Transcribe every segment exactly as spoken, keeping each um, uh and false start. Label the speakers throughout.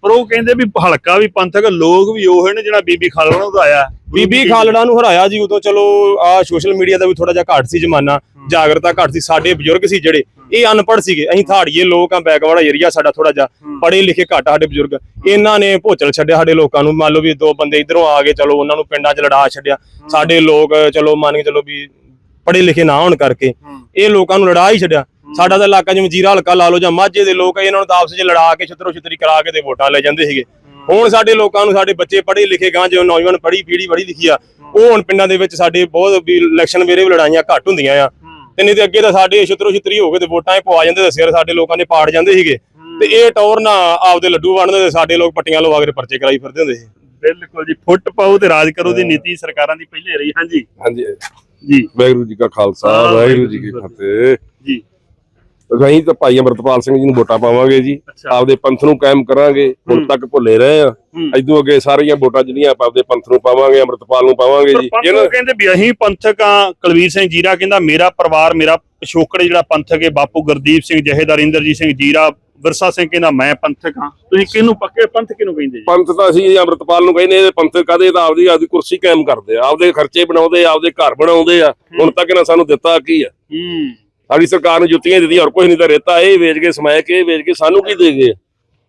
Speaker 1: ਪਰ ਉਹ ਕਹਿੰਦੇ ਵੀ ਹਲਕਾ ਵੀ ਪੰਥਕ ਲੋਕ ਵੀ ਉਹ ਨੇ ਜਿਹੜਾ ਬੀਬੀ ਖਾਲੜਾ ਨੂੰ ਹਰਾਇਆ।
Speaker 2: ਬੀਬੀ ਖਾਲੜਾ ਨੂੰ ਹਰਾਇਆ ਜੀ ਉਦੋਂ ਚਲੋ ਆ ਸੋਸ਼ਲ ਮੀਡੀਆ ਦਾ ਵੀ ਥੋੜਾ ਜਿਹਾ ਘੱਟ ਸੀ ਜ਼ਮਾਨਾ, ਜਾਗਰਤਾ ਘੱਟ ਸੀ। ਸਾਡੇ ਬਜ਼ੁਰਗ ਸੀ ਜਿਹੜੇ ਇਹ ਅਨਪੜ੍ਹ ਸੀਗੇ, ਅਸੀਂ ਥਾੜੀਏ ਲੋਕ ਆ, ਬੈਕਵਰਡ ਏਰੀਆ ਸਾਡਾ ਥੋੜਾ ਜਿਹਾ, ਪੜ੍ਹੇ ਲਿਖੇ ਘੱਟ ਸਾਡੇ ਬਜ਼ੁਰਗ। ਇਹਨਾਂ ਨੇ ਭੋਚਲ ਛੱਡਿਆ ਸਾਡੇ ਲੋਕਾਂ ਨੂੰ। ਮੰਨ ਲਓ ਵੀ ਦੋ ਬੰਦੇ ਇਧਰੋਂ ਆ ਗਏ, ਚਲੋ ਉਹਨਾਂ ਨੂੰ ਪਿੰਡਾਂ 'ਚ ਲੜਾ ਛੱਡਿਆ। ਸਾਡੇ ਲੋਕ ਚਲੋ ਮੰਨ ਕੇ ਚਲੋ ਵੀ ਪੜ੍ਹੇ ਲਿਖੇ ਨਾ ਹੋਣ ਕਰਕੇ ਇਹ ਲੋਕਾਂ ਨੂੰ ਲੜਾ ਹੀ ਛੱਡਿਆ। ਸਾਡਾ ਤਾਂ ਇਲਾਕਾ ਜਿਵੇਂ ਜੀਰਾ ਹਲਕਾ ਲਾ ਲਓ ਜਾਂ ਮਾਝੇ ਦੇ ਲੋਕ ਇਹਨਾਂ ਨੂੰ ਤਾਂ ਆਪਸ 'ਚ ਲੜਾ ਕੇ ਛਿੱਤਰੋ ਛਿੱਤਰੀ ਕਰਾ ਕੇ ਤੇ ਵੋਟਾਂ ਲੈ ਜਾਂਦੇ ਸੀਗੇ। ਹੁਣ ਸਾਡੇ ਲੋਕਾਂ ਨੂੰ, ਸਾਡੇ ਬੱਚੇ ਪੜ੍ਹੇ ਲਿਖੇ ਗਾਂ ਜੋ ਨੌਜਵਾਨ ਪੜ੍ਹੀ ਪੀੜ੍ਹੀ ਬੜੀ ਲਿਖੀ ਆ, ਉਹ ਹੁਣ ਪਿੰਡਾਂ ਦੇ ਵਿੱਚ ਸਾਡੇ ਬਹੁਤ ਵੀ ਇਲੈਕਸ਼ਨ ਵੇਲੇ ਵੀ ਲੜਾਈਆਂ ਘੱਟ ਹੁੰਦੀਆਂ ਆ। ਤੇ ਨਹੀਂ ਤੇ ਅੱਗੇ ਤਾਂ ਸਾਡੇ ਛਿੱਤਰੋ ਛਿੱਤਰੀ ਹੋ ਕੇ ਤੇ ਵੋਟਾਂ ਪਵਾ ਜਾਂਦੇ ਤੇ ਸਿਰ ਸਾਡੇ ਲੋਕਾਂ ਦੇ ਪਾੜ ਜਾਂਦੇ ਸੀਗੇ। ਤੇ ਇਹ ਟੌਰ ਨਾ ਆਪਦੇ ਲੱਡੂ ਵੰਡਦੇ ਤੇ ਸਾਡੇ ਲੋਕ ਪੱਟੀਆਂ ਲਵਾ ਕੇ ਪਰਚੇ ਕਰਾਈ ਫਿਰਦੇ ਹੁੰਦੇ ਸੀ।
Speaker 1: ਬਿਲਕੁਲ ਜੀ, ਫੁੱਟ ਪਾਓ ਤੇ ਰਾਜ ਕਰੋ ਦੀ ਨੀਤੀ ਸਰਕਾਰਾਂ ਦੀ ਪਹਿਲੇ ਰਹੀ। ਹਾਂਜੀ
Speaker 3: ਹਾਂਜੀ
Speaker 1: ਜੀ,
Speaker 3: ਵਾਹਿਗੁਰੂ ਜੀ ਕਾ ਖਾਲਸਾ ਵਾਹਿਗੁਰੂ ਜੀ ਕੀ ਫਤਿਹ
Speaker 1: ਜੀ।
Speaker 3: ਅਸੀਂ ਤਾਂ ਭਾਈ ਅਮਰਤਪਾਲ ਸਿੰਘ ਜੀ ਨੂੰ ਵੋਟਾਂ ਪਾਵਾਂਗੇ ਜੀ, ਆਪਦੇ ਪੰਥ ਨੂੰ ਕਾਇਮ ਕਰਾਂਗੇ। ਹੁਣ ਤੱਕ ਭੁੱਲੇ ਰਹੇ ਆ, ਇਦੋਂ ਅੱਗੇ ਸਾਰੀਆਂ ਵੋਟਾਂ ਜਿਹੜੀਆਂ ਆਪਾਂ ਆਪਦੇ ਪੰਥ ਨੂੰ ਪਾਵਾਂਗੇ, ਅਮਰਤਪਾਲ ਨੂੰ ਪਾਵਾਂਗੇ ਜੀ।
Speaker 1: ਇਹ ਕਹਿੰਦੇ ਵੀ ਅਸੀਂ ਪੰਥਕ ਆ। ਕੁਲਵੀਰ ਸਿੰਘ ਜੀਰਾ ਕਹਿੰਦਾ ਮੇਰਾ ਪਰਿਵਾਰ, ਮੇਰਾ ਪਿਛੋਕੜ ਜਿਹੜਾ ਪੰਥਕ ਹੈ, ਬਾਪੂ ਗੁਰਦੀਪ ਸਿੰਘ, ਜਹੇਦਾਰ ਇੰਦਰਜੀਤ ਸਿੰਘ ਜੀਰਾ, ਵਿਰਸਾ ਸਿੰਘ ਕਹਿੰਦਾ ਮੈਂ ਪੰਥਕ ਹਾਂ। ਤੁਸੀਂ ਕਿਹਨੂੰ ਪੱਕੇ ਪੰਥ ਕਿਹਨੂੰ ਕਹਿੰਦੇ ਜੀ?
Speaker 3: ਪੰਥ ਤਾਂ ਅਸੀਂ ਅਮਰਤਪਾਲ ਨੂੰ ਕਹਿੰਦੇ, ਇਹ ਪੰਥਕ ਕਾਹਦੇ ਤਾਂ ਆਪਦੀ ਆਪਦੀ ਕੁਰਸੀ ਕਾਇਮ ਕਰਦੇ ਆ, ਆਪਦੇ ਖਰਚੇ ਬਣਾਉਂਦੇ ਆ, ਆਪਦੇ ਘਰ ਬਣਾਉਂਦੇ ਆ। ਹੁਣ ਤੱਕ ਇਹਨਾਂ ਸਾਨੂੰ ਦਿੱਤਾ ਕੀ ਆ? ਸਾਡੀ ਸਰਕਾਰ ਨੂੰ ਜੁੱਤੀਆਂ ਦਿੱਤੀਆਂ, ਹੋਰ ਕੁਝ ਨਹੀਂ ਤਾਂ ਰੇਤਾ ਇਹ ਵੇਚ ਕੇ, ਸਮਾਇ ਕੇ ਵੇਚ ਕੇ ਸਾਨੂੰ ਕੀ ਦੇ ਗਏ?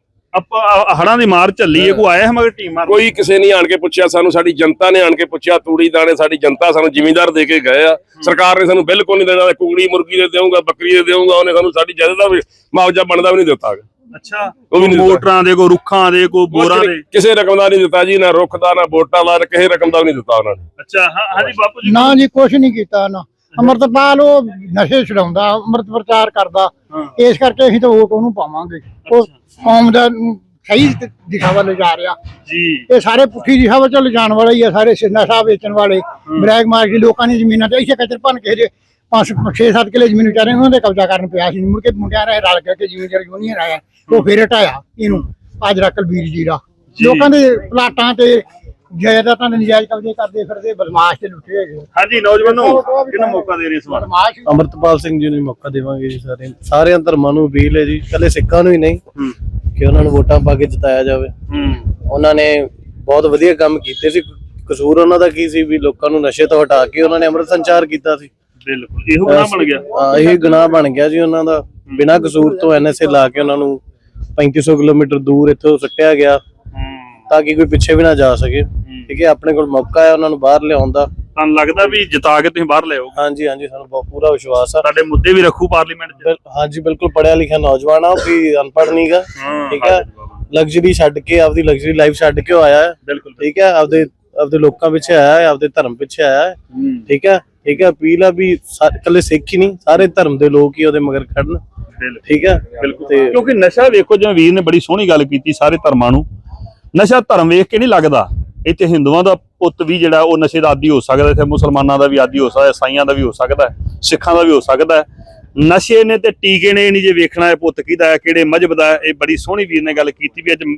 Speaker 1: ਆਪਾਂ ਹੜਾਂ ਦੀ ਮਾਰ ਝੱਲੀ ਹੈ, ਕੋਈ ਆਇਆ ਮਗਰ ਟੀਮਾਂ?
Speaker 3: ਕੋਈ ਕਿਸੇ ਨੇ ਆਣ ਕੇ ਪੁੱਛਿਆ ਸਾਨੂੰ, ਸਾਡੀ ਜਨਤਾ ਨੇ ਆਣ ਕੇ ਪੁੱਛਿਆ। ਤੂੜੀ ਦਾਣੇ ਸਾਡੀ ਜਨਤਾ ਸਾਨੂੰ ਜ਼ਿਮੀਂਦਾਰ ਦੇ ਕੇ ਗਏ ਆ। ਸਰਕਾਰ ਨੇ ਸਾਨੂੰ ਬਿਲਕੁਲ ਨਹੀਂ ਦੇਣਾ। ਕੁਕੜੀ ਮੁਰਗੀ ਦੇ ਦੇਊਗਾ, ਬੱਕਰੀ ਦੇ ਦੇਊਗਾ, ਉਹਨੇ ਸਾਨੂੰ ਸਾਡੀ ਜਾਇਦਾਦ ਦਾ ਵੀ ਮੁਆਵਜ਼ਾ ਬਣਦਾ ਵੀ ਨਹੀਂ ਦਿੱਤਾ।
Speaker 1: ਅੱਛਾ, ਉਹ ਵੀ ਮੋਟਰਾਂ ਦੇ, ਕੋਈ ਰੁੱਖਾਂ ਦੇ, ਕੋਈ ਬੋਰਾਂ ਦੇ,
Speaker 3: ਕਿਸੇ ਰਕਮ ਦਾ ਨਹੀਂ ਦਿੱਤਾ ਜੀ। ਨਾ ਰੁੱਖ ਦਾ, ਨਾ ਵੋਟਾਂ ਦਾ, ਕਿਸੇ ਰਕਮ ਦਾ ਵੀ ਨਹੀਂ ਦਿੱਤਾ ਉਹਨਾਂ ਨੇ।
Speaker 1: ਅੱਛਾ, ਹਾਂਜੀ ਬਾਪੂ ਜੀ।
Speaker 4: ਨਾ ਜੀ, ਕੁਛ ਨਹੀਂ ਕੀਤਾ ਨਾ। ਅਮਰਤਪਾਲ ਉਹ ਨਸ਼ੇ ਛਡਾਉਂਦਾ, ਅੰਮ੍ਰਿਤ ਪ੍ਰਚਾਰ ਕਰਦਾ, ਇਸ ਕਰਕੇ ਅਸੀਂ ਤਾਂ ਵੋਟ ਉਹਨੂੰ ਪਾਵਾਂਗੇ। ਉਹ ਕੌਮ ਦਾ ਸਹੀ ਦਿਸ਼ਾ ਵੱਲ ਲਿਜਾ ਰਿਹਾ ਜੀ। ਇਹ ਸਾਰੇ ਪੁੱਠੀ ਦਿਸ਼ਾ ਵੱਲ ਲਿਜਾਣ ਵਾਲੇ ਹੀ ਆ ਸਾਰੇ। ਨਸ਼ਾ ਵੇਚਣ ਵਾਲੇ, ਬਲੈਕ ਮਾਰਕੀਟ, ਲੋਕਾਂ ਦੀ ਜ਼ਮੀਨਾਂ ਤੇ ਇੱਥੇ ਕਚਰ ਭੰਨ ਕੇ ਜੇ ਪੰਜ ਛੇ ਸੱਤ ਕਿਲੇ ਜ਼ਮੀਨ ਵਿਚਾਰੇ ਉਹਨਾਂ ਦੇ ਕਬਜ਼ਾ ਕਰਨ ਪਿਆ ਸੀ। ਮੁੜ ਕੇ ਮੁੰਡਿਆਂ ਨੇ ਰਲ ਕੇ ਜ਼ਿਮੀਂਦਾਰ ਯੂਨੀਅਨ ਆਇਆ, ਉਹ ਫੇਰ ਹਟਾਇਆ ਇਹਨੂੰ। ਆਜਰਾ ਕੁਲਵੀਰ ਜੀਰਾ ਲੋਕਾਂ ਦੇ ਪਲਾਟਾਂ ਤੇ ਜਾਇਦਾਦਾਂ ਦੇ ਨਜਾਇਜ਼ ਕਬਜ਼ੇ ਕਰਦੇ ਫਿਰਦੇ, ਬਦਮਾਸ਼ ਤੇ ਲੁੱਟੇ ਹੈਗੇ।
Speaker 1: ਹਾਂਜੀ, ਨੌਜਵਾਨੋ ਕਿਹਨੂੰ ਮੌਕਾ ਦੇ ਰਹੇ ਇਸ ਵਾਰ?
Speaker 5: ਅਮਰਤਪਾਲ ਸਿੰਘ ਜੀ ਨੂੰ ਮੌਕਾ ਦੇਵਾਂਗੇ ਜੀ। ਸਾਰੇ ਸਾਰਿਆਂ ਧਰਮਾਂ ਨੂੰ ਅਪੀਲ ਹੈ ਜੀ, ਕੱਲੇ ਸਿੱਖਾਂ ਨੂੰ ਹੀ ਨਹੀਂ, ਕਿ ਉਹਨਾਂ ਨੂੰ ਵੋਟਾਂ ਪਾ ਕੇ ਜਿਤਾਇਆ ਜਾਵੇ। ਉਹਨਾਂ ਨੇ ਬਹੁਤ ਵਧੀਆ ਕੰਮ ਕੀਤੇ ਸੀ। ਕਸੂਰ ਉਹਨਾਂ ਦਾ ਕੀ ਸੀ ਵੀ ਲੋਕਾਂ ਨੂੰ ਨਸ਼ੇ ਤੋਂ ਹਟਾ ਕੇ ਉਹਨਾਂ ਨੇ ਅੰਮ੍ਰਿਤ ਸੰਚਾਰ ਕੀਤਾ ਸੀ।
Speaker 1: ਬਿਲਕੁਲ, ਇਹੋ ਗੁਨਾਹ ਬਣ ਗਿਆ।
Speaker 5: ਹਾਂ, ਇਹ ਗੁਨਾਹ ਬਣ ਗਿਆ ਜੀ ਉਹਨਾਂ ਦਾ। ਬਿਨਾਂ ਕਸੂਰ ਤੋਂ ਐਨ ਐਸ ਏ ਲਾ ਕੇ ਉਹਨਾਂ ਨੂੰ ਪੈਂਤੀ ਸੌ ਕਿਲੋਮੀਟਰ ਦੂਰ ਇੱਥੋਂ ਸੁੱਟਿਆ ਗਿਆ ਤਾਂ ਕਿ ਕੋਈ ਪਿੱਛੇ ਵੀ ਨਾ ਜਾ ਸਕੇ। ਠੀਕ ਹੈ, ਆਪਣੇ ਕੋਲ ਮੌਕਾ ਹੈ ਉਹਨਾਂ ਨੂੰ ਬਾਹਰ ਲਿਆਉਣ ਦਾ।
Speaker 1: ਤੁਹਾਨੂੰ ਲੱਗਦਾ ਵੀ ਜਿਤਾ ਕੇ ਤੁਸੀਂ ਬਾਹਰ ਲਿਆਓ?
Speaker 5: ਹਾਂਜੀ ਹਾਂਜੀ, ਸਾਨੂੰ ਬਹੁਤ ਪੂਰਾ ਵਿਸ਼ਵਾਸ ਆ।
Speaker 1: ਸਾਡੇ ਮੁੱਦੇ ਵੀ ਰੱਖੂ ਪਾਰਲੀਮੈਂਟ 'ਚ?
Speaker 5: ਹਾਂਜੀ ਬਿਲਕੁਲ, ਪੜਿਆ ਲਿਖਿਆ ਨੌਜਵਾਨ ਆ, ਕੋਈ ਅਨਪੜ੍ਹ ਨਹੀਂਗਾ। ਠੀਕ ਹੈ, ਲਗਜ਼ਰੀ ਛੱਡ ਕੇ, ਆਪਦੀ ਲਗਜ਼ਰੀ ਲਾਈਫ ਛੱਡ ਕੇ ਆਇਆ ਹੈ। ਬਿਲਕੁਲ ਠੀਕ ਹੈ, ਆਪਦੇ ਆਪਦੇ ਲੋਕਾਂ ਪਿੱਛੇ ਆਇਆ ਹੈ, ਆਪਦੇ ਧਰਮ ਪਿੱਛੇ ਆਇਆ ਹੈ। ਠੀਕ ਹੈ ਠੀਕ ਹੈ, ਅਪੀਲ ਆ ਵੀ ਇਕੱਲੇ ਸਿੱਖ ਹੀ ਨਹੀਂ, ਸਾਰੇ ਧਰਮ ਦੇ ਲੋਕ ਹੀ ਉਹਦੇ ਮਗਰ ਖੜਨ। ਠੀਕ ਹੈ, ਬਿਲਕੁਲ।
Speaker 1: ਕਿਉਂਕਿ ਨਸ਼ਾ ਵੇਖੋ, ਜਿਵੇਂ ਵੀਰ ਨੇ ਬੜੀ ਸੋਹਣੀ ਗੱਲ ਕੀਤੀ, ਸਾਰੇ ਧਰਮਾਂ ਨੂੰ ਨਸ਼ਾ ਧਰਮ ਵੇਖ ਕੇ ਨਹੀਂ ਲੱਗਦਾ। ਇੱਥੇ ਹਿੰਦੂਆਂ ਦਾ ਪੁੱਤ ਵੀ ਜਿਹੜਾ ਉਹ ਨਸ਼ੇ ਦਾ ਆਦੀ ਹੋ ਸਕਦਾ, ਇੱਥੇ ਮੁਸਲਮਾਨਾਂ ਦਾ ਵੀ ਆਦੀ ਹੋ ਸਕਦਾ, ਈਸਾਈਆਂ ਦਾ ਵੀ ਹੋ ਸਕਦਾ, ਸਿੱਖਾਂ ਦਾ ਵੀ ਹੋ ਸਕਦਾ। ਨਸ਼ੇ ਨੇ ਤੇ ਟੀਕੇ ਨੇ ਨਹੀਂ ਜੇ ਵੇਖਣਾ ਹੈ ਪੁੱਤ ਕਿਹਦਾ ਹੈ, ਕਿਹੜੇ ਮਜ਼ਹਬ ਦਾ ਹੈ। ਇਹ ਬੜੀ ਸੋਹਣੀ ਵੀਰ ਨੇ ਗੱਲ ਕੀਤੀ ਵੀ ਅੱਜ